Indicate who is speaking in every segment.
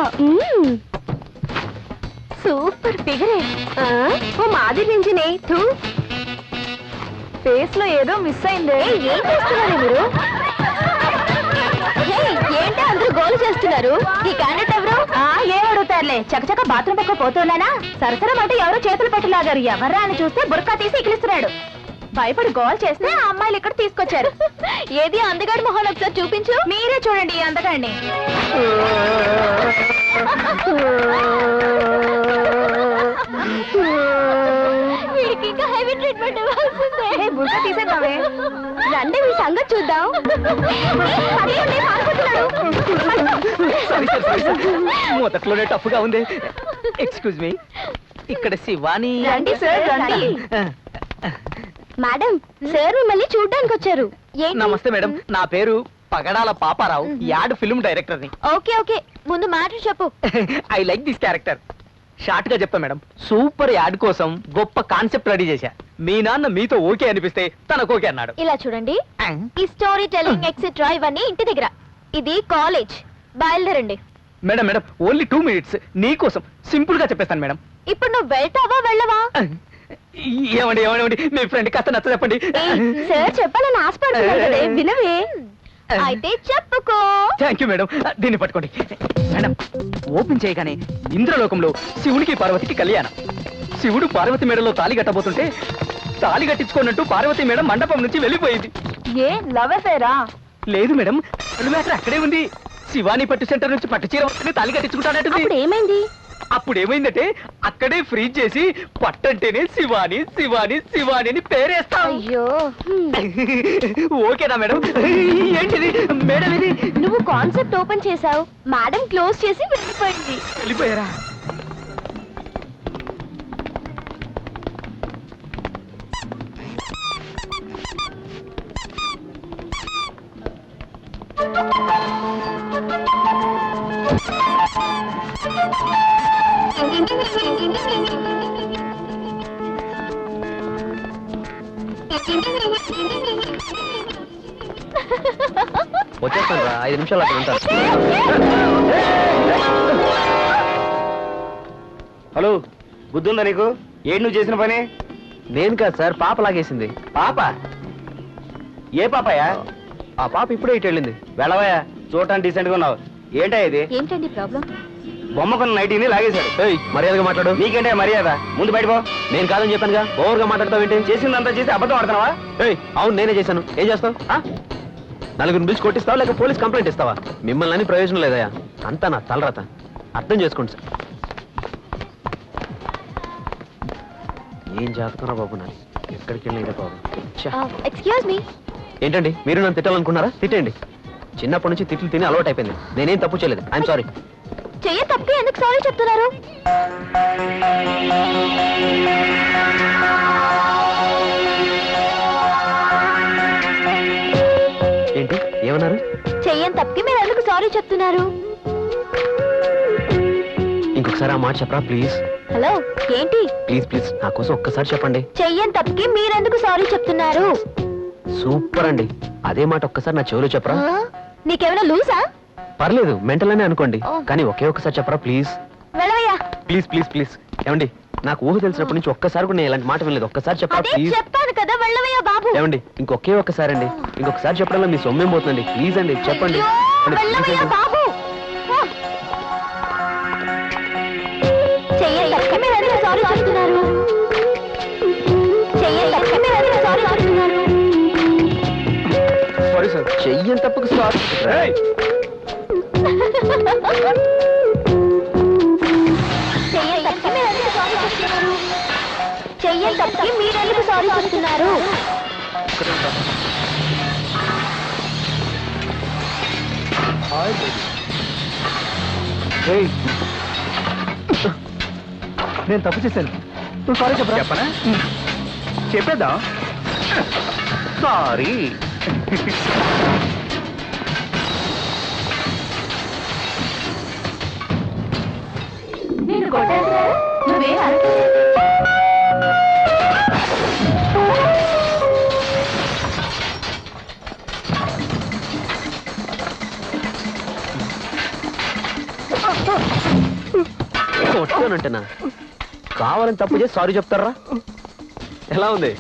Speaker 1: Super ఫిగరే. ఓ మాది నింజినే తూ. Face లో ఏదో మిస్ అయిందే. ఏం చేస్తున్నారు మీరు? ఏంటి అందరూ గోలు చేస్తున్నారు? ఈ క్యాండిడేట్ ఎవరు? ఏం అడుగుతారులే, చకచక బాత్రూమ్ పక్క పోతున్నానా? సరసరం అంటే ఎవరో చేతులు పెట్టలాగారు. ఎవర్రా అని చూస్తే బుర్కా తీసి ఇకిలిస్తున్నాడు. భయపడి గోల్ చేస్తే ఆ అమ్మాయిలు ఇక్కడ తీసుకొచ్చారు. ఏది అందగాడి మొహం ఒకసారి చూపించు. మీరే చూడండి ఈ అందగాడిని. వీడికి ఇంకా హెవీ ట్రీట్మెంట్ ఇవ్వాల్సిందే. బుర్కా తీసేద్దామే. రండి మీ సంగతి చూద్దాం.
Speaker 2: మొదట్లోనే టఫ్ గా ఉంది. ఎక్స్క్యూజ్ మీ, ఇక్కడ శివాని.
Speaker 1: రండి సార్ రండి. మేడం, సార్ మిమ్మల్ని చూడ్డానికి వచ్చారు.
Speaker 2: నమస్తే మేడం, నా పేరు Pagadala Paparao, ad film director ని.
Speaker 1: ఓకే ఓకే, ముందు మ్యాటర్ చెప్పు.
Speaker 2: I like this character. Short గా చెప్తా మేడం, సూపర్ యాడ్ కోసం గొప్ప కాన్సెప్ట్ రెడీ చేశా. మీ నాన్న మీతో ఓకే అనిపిస్తే తనకు ఓకే అన్నాడు.
Speaker 1: ఇలా చూడండి, ఈ స్టోరీ టెల్లింగ్ ఎక్సెట్రా ఇవన్నీ ఇంటి దగ్గర. ఇది కాలేజ్. బయలుదేరండి.
Speaker 2: మేడం మేడం, ఓన్లీ 2 minutes నీ కోసం సింపుల్ గా చెప్పేస్తాను మేడం.
Speaker 1: ఇప్పుడు నువ్వు వెళ్తావా వెళ్ళవా?
Speaker 2: ఏమండి ఏమండి, మీ ఫ్రెండ్ కాస్త నచ్చ చెప్పండి.
Speaker 1: సార్ చెప్పాలని ఆశపడుతున్నాడు కదే, వినవే? అయితే చెప్పుకో.
Speaker 2: Thank you madam. దీన్ని పట్టుకోండి మేడం. ఓపెన్ చేయగానే ఇంద్రలోకంలో శివునికి పార్వతికి కళ్యాణం. శివుడు పార్వతి మేడలో తాళి కట్టబోతుంటే తాళి కట్టించుకున్నట్టు పార్వతి మేడం మండపం నుంచి వెళ్ళిపోయింది.
Speaker 1: ఏ లవ్ అఫేరా?
Speaker 2: లేదు మేడం, మ్యాటర్ అక్కడే ఉంది. శివాని పట్టు సెంటర్ నుంచి పట్టు చీర వస్తుంది, తాళి కట్టించుకుంటానంటుంది.
Speaker 1: ఏమైంది?
Speaker 2: అప్పుడు ఏమైందంటే అక్కడే ఫ్రీజ్ చేసి పట్టంటేనే శివాని శివాని శివాని అని పేరేస్తా.
Speaker 1: అయ్యో,
Speaker 2: ఓకేనా మేడం? ఏంటిది మేడం ఇది?
Speaker 1: నువ్వు కాన్సెప్ట్ ఓపెన్ చేసావు, మేడం క్లోజ్ చేసి వెళ్ళిపోయింది.
Speaker 2: వెళ్ళిపోయారా? వచ్చేస్తాను రా, 5 నిమిషాలు అక్కడ ఉంటాను.
Speaker 3: హలో, బుద్ధుందా నీకు? ఏంటి నువ్వు చేసిన పని?
Speaker 2: నేను కాదు సార్, పాప లాగేసింది.
Speaker 3: పాప? ఏ పాపయా?
Speaker 2: ఆ పాప ఇప్పుడే ఇటు వెళ్ళింది.
Speaker 3: వెళ్ళవయా, చూడటానికి డీసెంట్ గా ఉన్నావు. ఏంటా ఇది?
Speaker 1: ఏంటండి ప్రాబ్లం?
Speaker 3: బొమ్మ కొన్న నైటీని లాగేశాడు.
Speaker 2: మర్యాదగా మాట్లాడు.
Speaker 3: నీకేంటే మర్యాద? ముందు బయటపో.
Speaker 2: నేను కాదని చెప్పానుగా, ఓవర్గా మాట్లాడతావు ఏంటి?
Speaker 3: చేసిందంతా చేసి అబద్ధం ఆడుతున్నావా?
Speaker 2: అవును నేనే చేశాను. ఏం చేస్తావు? నలుగురిని పిలిచి కొట్టిస్తావా లేక పోలీస్ కంప్లైంట్ ఇస్తావా? మిమ్మల్ని అని ప్రయోజనం లేదయా, అంతా నా తలరాత. అర్థం చేసుకోండి సార్. ఏం జాతకరా బాబు, నాది ఎక్కడికి వెళ్ళినా బాబు.
Speaker 1: Excuse me.
Speaker 2: ఏంటండి మీరు నన్ను తిట్టాలనుకున్నారా? తిట్టండి. చిన్నప్పటి నుంచి తిట్లు తిని అలవాటు అయిపోయింది. నేనేం తప్పు చేయలేదు. I'm sorry.
Speaker 1: చెయ్య తప్పి ఎందుకు సారీ చెప్తున్నారు?
Speaker 2: ఏంటి ఏమన్నారు?
Speaker 1: చెయ్యని తప్పి మీరు ఎందుకు సారీ చెప్తున్నారు?
Speaker 2: ఇంకొకసారి ఆ మాట చెప్పరా ప్లీజ్.
Speaker 1: హలో, ఏంటి?
Speaker 2: ప్లీజ్ ప్లీజ్ నా కోసం ఒక్కసారి చెప్పండి.
Speaker 1: చెయ్యని తప్పకి మీరెందుకు సారీ చెప్తున్నారు?
Speaker 2: సూపర్ అండి. అదే మాట ఒక్కసారి నా చెవిలో చెప్పరా.
Speaker 1: నీకేమైనా లూసా?
Speaker 2: పర్లేదు, మెంటల్ అనే అనుకోండి, కానీ ఒకే ఒక్కసారి చెప్పరా ప్లీజ్.
Speaker 1: వెళ్ళవయ్యా.
Speaker 2: Please please please. ఏమండి, నాకు ఊహ తెలిసినప్పటి నుంచి ఒక్కసారి కూడా నేను ఇలాంటి మాట వినలేదు. ఒక్కసారి చెప్పరా ప్లీజ్.
Speaker 1: చెప్పాను కదా, వెళ్ళవయ్యా బాబు.
Speaker 2: ఏమండి, ఇంకొకే ఒక్కసారి అండి. ఇంకొకసారి చెప్పడంలో మీ సొమ్మేం పోతుందండి. ప్లీజ్ అండి చెప్పండి.
Speaker 1: వెళ్ళవయ్యా బాబు. చెయ్యని తప్పకి మీరు ఎందుకు సారీ చెప్తున్నారు? చెయ్యని తప్పకి మీరు ఎందుకు సారీ చెప్తున్నారు?
Speaker 2: సారీ సార్, చెయ్యని తప్పకు సారీ.
Speaker 1: చెయ్యని తప్పకి మీరు ఎందుకు సారీ చెప్తున్నారు? చెయ్యని తప్పకి మీరు ఎందుకు సారీ చెప్తున్నారు?
Speaker 2: నేను తప్పు చేశాను, నువ్వు సారీ చెప్పరా?
Speaker 3: చెప్పనా? చెప్పేద్దాం. సారీ.
Speaker 1: నేను కొట్టేసా? నువ్వే అరకే.
Speaker 4: కొట్టానంటేనా కావాలని తప్పు చేసి సారీ చెప్తారా? ఎలా ఉంది?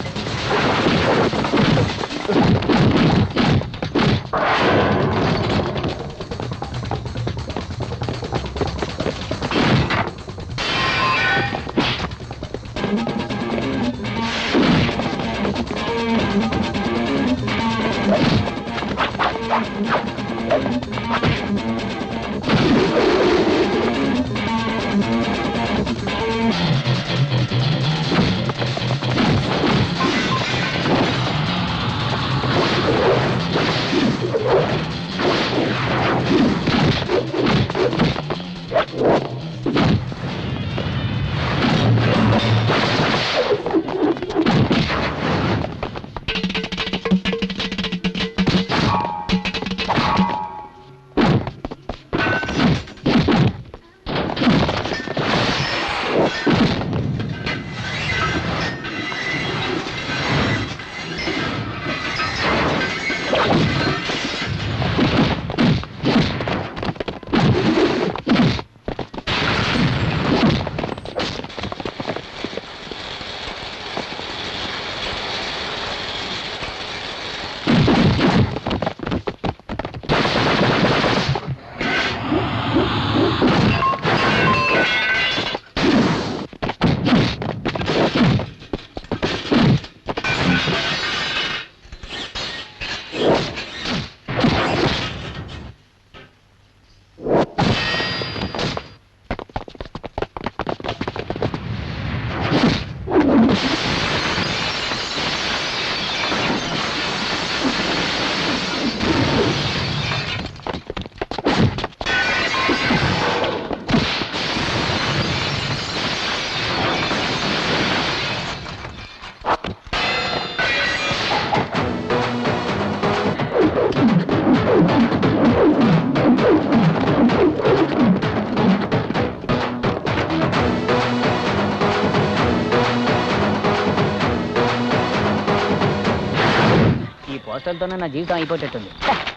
Speaker 2: పోస్టర్తోనే నా జీవితం అయిపోయేటట్టుంది.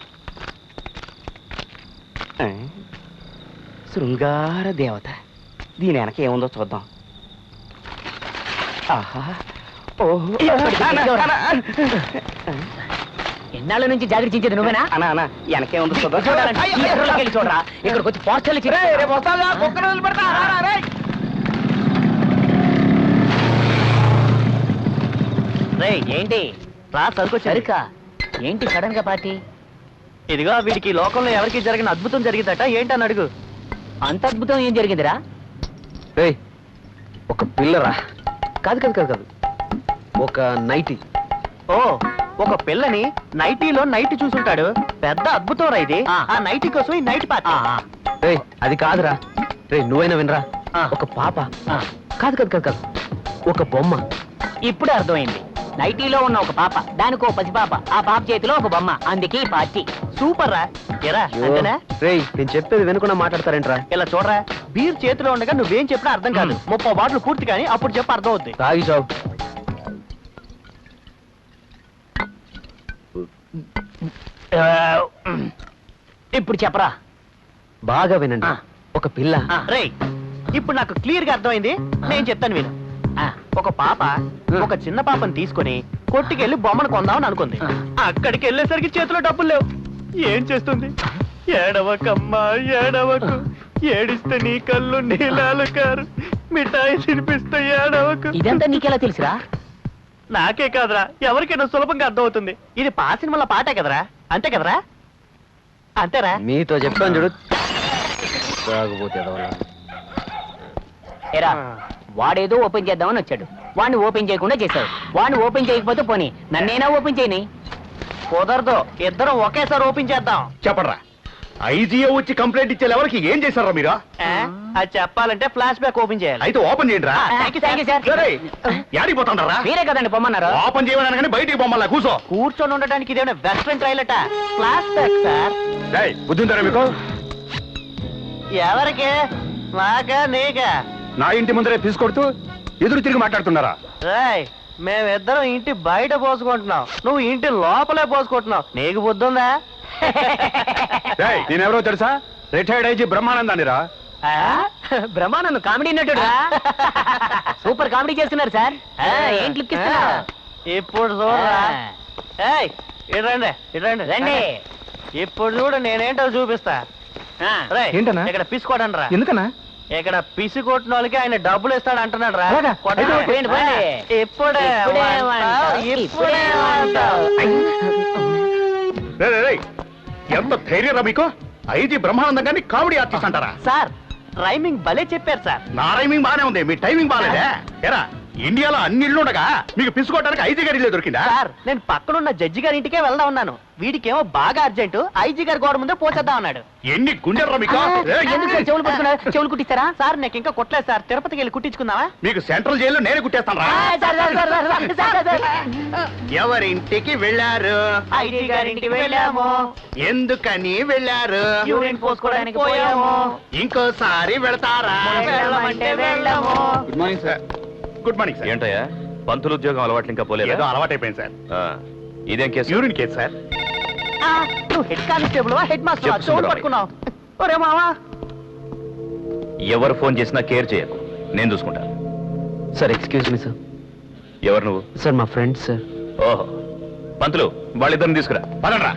Speaker 3: శృంగార దేవత, దీని వెనక ఏముందో చూద్దాం. ఆహా, ఓహో,
Speaker 2: ఎన్నాళ్ళ నుంచి జాగ్రత్త నువ్వేనా?
Speaker 3: అనా అనా వెనకేముందో చూద్దాం.
Speaker 2: చూడరా, ఇక్కడికి వచ్చి పోస్టర్లు ఏంటి
Speaker 3: రా సరుకు
Speaker 2: సరికా ఏంటి సడన్ గా పార్టీ?
Speaker 3: ఇదిగో వీడికి లోకంలో ఎవరికి జరిగిన అద్భుతం జరిగిందట, ఏంటని అడుగు.
Speaker 2: అంత అద్భుతం ఏం జరిగిందిరా?
Speaker 4: ఒక పిల్లరా? కాదు కాదు కాదు కాదు, ఒక నైటీ.
Speaker 3: ఓ, ఒక పిల్లని నైటీలో నైట్ చూసుంటాడు. పెద్ద అద్భుతం రా ఇది. ఆ నైటీ కోసం ఈ నైట్ పార్టీ.
Speaker 4: అది కాదురా. నువ్వైనా వినరా, ఒక పాప. కాదు కాదు కాదు కాదు, ఒక బొమ్మ.
Speaker 2: ఇప్పుడే అర్థమైంది. నైటీలో ఉన్న ఒక పాప, దానికి ఒక పసిపాప, ఆ పాప చేతిలో ఒక బొమ్మ, అందుకే పార్టీ.
Speaker 3: సూపర్ రా. ఎరా అంతేనా?
Speaker 4: నేను చెప్పేది వినకుండా మాట్లాడతారేంట్రా?
Speaker 3: ఇలా చూడరా, బీర్ చేతిలో ఉండగా నువ్వేం చెప్పినా అర్థం కాదు. 30 బాటిల్ పూర్తి కానీ అప్పుడు చెప్పి అర్థం అవుద్ది.
Speaker 4: తాగి చావు.
Speaker 2: ఇప్పుడు చెప్పరా.
Speaker 4: బాగా వినండి. ఒక పిల్ల.
Speaker 3: రేయ్, ఇప్పుడు నాకు క్లియర్ గా అర్థమైంది. నేను చెప్తాను విను. ఒక పాప ఒక చిన్న పాపని తీసుకుని కొట్టుకెళ్లి బొమ్మను కొందామని అనుకుంది. అక్కడికి వెళ్ళేసరికి చేతిలో డబ్బులు లేవు. ఏం చేస్తుంది? ఏడవకమ్మా ఏడవకు, ఏడిస్తే నీ కళ్ళు నీలాలు కారు, మిఠాయి తినిపిస్తే ఏడవకు.
Speaker 2: ఇదంతా నీకెలా తెలుసురా?
Speaker 3: నాకే కాదురా, ఎవరికైనా సులభంగా అర్థమవుతుంది. ఇది పా సినిమాల పాటే కదరా, అంతే కదరా? అంతేరా?
Speaker 4: మీతో చెప్పాను చూడు. తాగుపోతే
Speaker 2: ఎరా, వాడేదో ఓపెన్ చేద్దామని వచ్చాడు, వాడిని ఓపెన్ చేయకుండా చేశావు. వాడిని ఓపెన్ చేయకపోతే పోనీ నన్నేనా ఓపెన్ చేయని?
Speaker 3: కుదరదు, ఇద్దరం ఒకేసారి ఓపెన్ చేద్దాం.
Speaker 5: చెప్పరా, ఐజీఓ వచ్చి కంప్లైంట్ ఇచ్చే ఎవరికి ఏం చేశారా మీరు?
Speaker 3: అది చెప్పాలంటే ఫ్లాష్ బ్యాక్ ఓపెన్ చేయాలి.
Speaker 5: అయితే ఓపెన్ చేయండి రా. యాడికి పోతాండ్రా?
Speaker 2: మీరే కదండి పొమ్మన్నారు.
Speaker 5: ఓపెన్ చేయమని కానీ బయటికి బొమ్మలా కూర్చో.
Speaker 3: కూర్చొని ఉండడానికి ఇదేమైనా వెస్ట్రన్ ట్రైలట, ఫ్లాష్ బ్యాక్ సార్.
Speaker 5: బుద్ధి ఉంటారా మీకు?
Speaker 3: ఎవరికి? నాకా నీకా?
Speaker 5: నా ఇంటి ముందరే తీసుకొడుతూ ఎదురు తిరిగి మాట్లాడుతున్నారా?
Speaker 3: రాయ్, మేమిద్దరం ఇంటి బయట పోసుకుంటున్నాం, నువ్వు ఇంటి లోపలే పోసుకుంటున్నావు. నీకు బుద్ధి ఉందా?
Speaker 5: నేనెవరో తెలుసా? రిటైర్డ్ ఐజీ బ్రహ్మానందానిరా.
Speaker 2: బ్రహ్మానందం కామెడీ నటుడు సూపర్ కామెడీ చేస్తున్నారు సార్ ఏంటి లుక్ ఇస్తున్నారు
Speaker 3: ఇప్పుడు చూడరా ఏయ్, ఇటు రండి
Speaker 2: రండి
Speaker 3: ఇప్పుడు చూడు నేనేంటో చూపిస్తా రేయ్,
Speaker 2: ఏంటన్నా?
Speaker 3: ఇక్కడ పిసుకోడండి రా.
Speaker 2: ఎందుకన్నా
Speaker 3: ఇక్కడ పిసి కొట్టిన వాళ్ళకి ఆయన డబ్బులు ఇస్తాడు అంటున్నాడు రా.
Speaker 2: అలాగా?
Speaker 3: కొట్టండి.
Speaker 2: అయితే పోయండి, పోయండి.
Speaker 3: ఇప్పుడే
Speaker 2: ఇప్పుడే
Speaker 3: వంటావు,
Speaker 2: వంటావు,
Speaker 3: ఇప్పుడే
Speaker 2: ఇప్పుడే
Speaker 3: వంటావు.
Speaker 5: రేయ్, రేయ్, రేయ్, ఎంత ధైర్యరా మీకు? ఐజీ బ్రహ్మానందం గారిని కామెడీ ఆర్టిస్ట్ అంటారా?
Speaker 3: సార్ రైమింగ్ భలే చెప్పారు సార్.
Speaker 5: నా టైమింగ్ బానే ఉంది, మీ టైమింగ్ బాగాలేదే. ఎరా ఇండియాలో అన్ని ఇళ్ళు ఉండగా మీకు పిసుకోవడానికి ఐజీ గారి ఇల్లే దొరికిందా?
Speaker 3: సార్ నేను పక్కనున్న జడ్జి గారి ఇంటికే వెళ్దా ఉన్నాను. వీడికేమో బాగా అర్జెంటు ఐజీ గారి గోడ ముందే పోసేద్దాం అన్నాడు.
Speaker 5: ఎన్ని గుండెలరా మీకు? ఏయ్,
Speaker 2: ఎందుకు సార్ చెవులు పట్టుకున్నారు చెవులు కుట్టిస్తారా
Speaker 3: సార్ నాకు ఇంకా కొట్టలేదు సార్. తిరుపతికి వెళ్ళి కుట్టించుకుందామా?
Speaker 5: మీకు సెంట్రల్ జైల్లో నేనే కుట్టేస్తాను రా. ఎవరింటికి వెళ్ళారు?
Speaker 3: ఐజీ గారి ఇంటికి వెళ్ళాము.
Speaker 5: ఎందుకని వెళ్ళారు?
Speaker 3: యూరిన్ పోసుకోవడానికి పోయాము.
Speaker 5: ఇంకోసారి వెళతారా?
Speaker 3: వెళ్ళమంటే వెళ్ళాము.
Speaker 5: Good morning sir. Good morning sir.
Speaker 6: ఏంటయ్యా పంతులు ఉద్యోగం అలవాట్లు ఇంకా
Speaker 5: ఏదో
Speaker 6: పోలేదా?
Speaker 5: అలవాటైపోయింది సార్.
Speaker 6: ఇదేం కేసు?
Speaker 5: Urine case sir.
Speaker 3: నువ్వు హెడ్ కానిస్టేబుల్ హెడ్ మాస్టర్
Speaker 6: చెప్పు
Speaker 3: చోటు
Speaker 6: సుందరమయ్య.
Speaker 3: పట్టుకున్నావు. ఒరే మావా,
Speaker 6: ఎవరు ఫోన్ చేసినా కేర్ చేయకు, నేను చూసుకుంటాను.
Speaker 4: Sir excuse me sir.
Speaker 6: ఎవరు నువ్వు?
Speaker 4: సార్ మా ఫ్రెండ్ సార్.
Speaker 6: ఓహో, పంతులు వాళ్ళిద్దరిని తీసుకురా.
Speaker 5: పదండ్రా.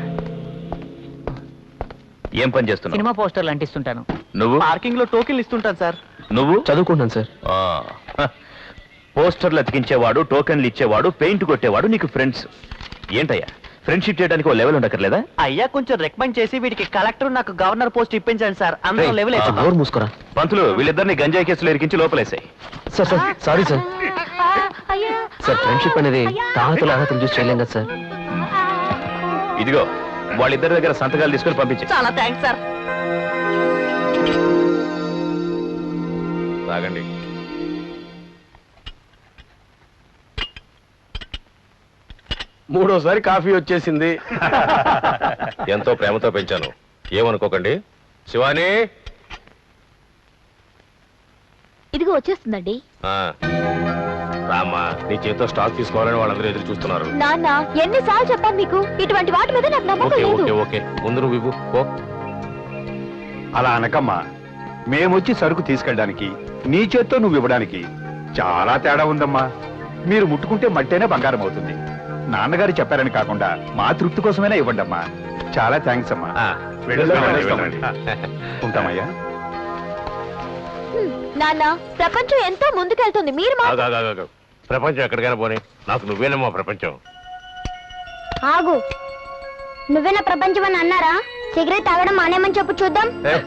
Speaker 6: ఏం పని చేస్తున్నావు?
Speaker 2: సినిమా పోస్టర్లు అంటిస్తుంటాను
Speaker 6: నువ్వు
Speaker 3: పార్కింగ్ లో టోకెన్లు ఇస్తుంటాను సార్.
Speaker 6: నువ్వు
Speaker 4: చదువుకుంటాను సార్.
Speaker 6: ఆ, హ. పోస్టర్లు అతికించేవాడు, టోకెన్లు ఇచ్చేవాడు, పెయింట్ కొట్టేవాడు నీకు ఫ్రెండ్స్. ఏంటయ్యా ఫ్రెండ్షిప్ చేయడానికి ఓ లెవెల్ ఉండక్కర్లేదా?
Speaker 3: అయ్యా కొంచెం రికమెండ్ చేసి వీడికి కలెక్టర్ నాకు గవర్నర్ పోస్ట్ ఇప్పించండి సార్. అందరూ
Speaker 4: రేయ్,
Speaker 3: లెవెల్
Speaker 4: కొంచెం నోరు మూసుకోరా.
Speaker 6: పంతులు వీళ్ళిద్దరిని గంజాయి కేసులో ఇరికించి లోపలేసాయి.
Speaker 4: Sir sir sorry sir. Sir friendship అనేది తాహతులు అర్హతలు చూసి చేయలేం కదా సార్.
Speaker 6: ఇదిగో వాళ్ళిద్దరి దగ్గర సంతకాలు తీసుకొని పంపించే.
Speaker 3: చాలా థ్యాంక్స్ సార్.
Speaker 6: తాగండి.
Speaker 5: మూడోసారి కాఫీ వచ్చేసింది.
Speaker 6: ఎంతో ప్రేమతో పెంచాను, ఏమనుకోకండి. శివాని,
Speaker 1: ఇదిగో వచ్చేస్తుందండి.
Speaker 6: ఆ, రామ్మా, నీ చేతితో స్టాక్ తీసుకోవాలని వాళ్ళందరూ ఎదురు చూస్తున్నారు.
Speaker 1: నాన్న ఎన్నిసార్లు చెప్పాను మీకు ఇటువంటి వాటి మీద నాకు నమ్మకం
Speaker 6: ఓకే
Speaker 1: లేదు.
Speaker 6: ఓకే ఓకే, ముందు నువ్వు ఇవ్వు. ఓ,
Speaker 5: అలా అనకమ్మా, మేమొచ్చి సరుకు తీసుకెళ్ళడానికి నీ చేత్తో నువ్వు ఇవ్వడానికి చాలా తేడా ఉందమ్మా. మీరు ముట్టుకుంటే మట్టేనే బంగారం అవుతుంది. నాన్నగారు చెప్పారని కాకుండా మా తృప్తి కోసమైనా ఇవ్వండి అమ్మా. చాలా థ్యాంక్స్ అమ్మా.
Speaker 6: ఆ,
Speaker 5: వెళ్ళొస్తామండి,
Speaker 6: వెళ్ళండి.
Speaker 5: ఉంటామయ్యా.
Speaker 1: నాన్న ప్రపంచం ఎంతో ముందుకెళ్తుంది, మీరు మా
Speaker 6: ఆగు, ఆగు, ఆగు, ఆగు. ప్రపంచం ఎక్కడికైనా పోనీ, నాకు నువ్వేనమ్మా ప్రపంచం.
Speaker 7: ఆగు, నువ్వేనా ప్రపంచం అని అన్నారా? సిగరెట్ తాగడం మానేమని చెప్పు చూద్దాం.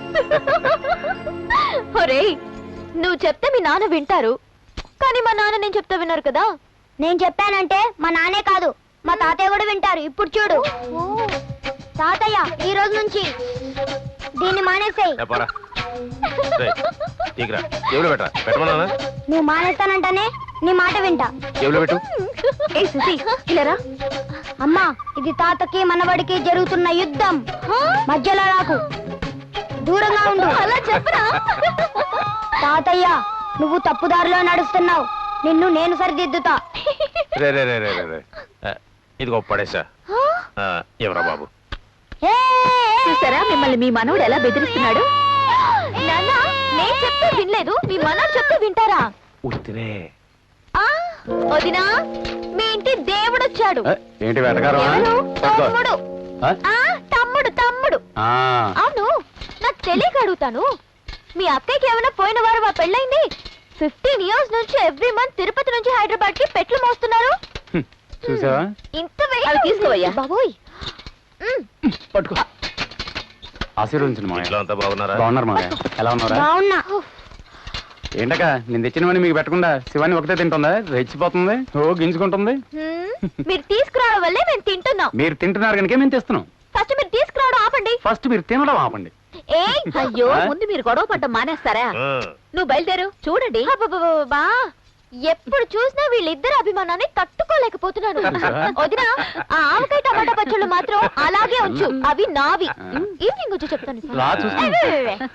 Speaker 1: ఒరేయ్, నువ్వు చెప్తే మీ నాన్న వింటారు, కానీ మా నాన్న నేను చెప్తే విన్నారు కదా.
Speaker 7: నేను చెప్పానంటే మా నాన్నే కాదు మా తాతయ్య కూడా వింటారు. ఇప్పుడు చూడు తాతయ్య, ఈ రోజు నుంచి దీన్ని మానేసేయ్.
Speaker 6: ఏ, పోరా. రేయ్, తీకురా. జేబులో పెట్టరా? పెట్టమన్నానా?
Speaker 7: నువ్వు మానేస్తానంటానే నీ మాట వింటా.
Speaker 6: జేబులో పెట్టు.
Speaker 1: ఏ సుసి ఇలారా.
Speaker 7: అమ్మా, ఇది తాతకి మనవడికి జరుగుతున్న యుద్ధం. మధ్యలో రాకు, దూరంగా ఉండు.
Speaker 1: అలా చెప్పరా.
Speaker 7: తాతయ్య, నువ్వు తప్పుదారిలో నడుస్తున్నావు. నిన్ను నేను సరిదిద్దుతా.
Speaker 6: రే రే రే రే రే రే. ఇదిగో పడేసా. ఎవరా బాబు?
Speaker 1: చూసారా మిమ్మల్ని మీ మనవడు ఎలా బెదిరిస్తున్నాడు. నాన్న నేను చెప్తే వినలేదు, మీ మనవడు చెప్తే వింటారా?
Speaker 6: ఉత్తినే.
Speaker 1: వదినా, మీ ఇంటి దేవుడు వచ్చాడు.
Speaker 5: ఏంటి వెతకారం?
Speaker 1: ఎవరు? తమ్ముడు. తమ్ముడు తమ్ముడు. అవును, నాకు తెలియక అడుగుతాను, మీ అక్కయ్యకి ఏమైనా పోయిన వారు మా పెళ్ళైంది? 15 years నుంచి ఎవ్రీ మంత్ తిరుపతి నుంచి హైదరాబాద్ కి పెట్లు మోస్తున్నారు.
Speaker 5: చూసావా?
Speaker 1: ఇంత అవి తీసుకోవయ్యా బాబోయ్.
Speaker 5: పట్టుకో. ఆశీర్వదించండి మామయ్య.
Speaker 6: ఇంట్లో అంతా బాగున్నారా?
Speaker 5: బాగున్నారు మామయ్య. ఎలా ఉన్నారా?
Speaker 7: బాగున్నా.
Speaker 5: ఏంటక నేను తెచ్చినవని మీకు పెట్టకుండా శివాని ఒకటే తింటుందా? రెచ్చిపోతుంది, ఓ గింజుకుంటుంది.
Speaker 1: మీరు తీసుకురావడం వల్లే మేము తింటున్నాం.
Speaker 5: మీరు తింటున్నారు కనుక మేము తెస్తున్నాం.
Speaker 1: ఫస్ట్ మీరు తీసుకురావడం ఆపండి.
Speaker 5: ఫస్ట్ మీరు తినడం ఆపండి.
Speaker 1: అయ్యో, ముందు మీరు గొడవ పడ్డం మానేస్తారా? నువ్వు బయలుదేరు. చూడండి, ఎప్పుడు చూసినా వీళ్ళిద్దరు అభిమానాన్ని తట్టుకోలేకపోతున్నాను. వదినా, ఆ ఆవకాయ టమాటా పచ్చళ్ళు మాత్రం అలాగే ఉంచు, అవి నావి. ఈవినింగ్ వచ్చి చెప్తాను.
Speaker 5: రా చూసి.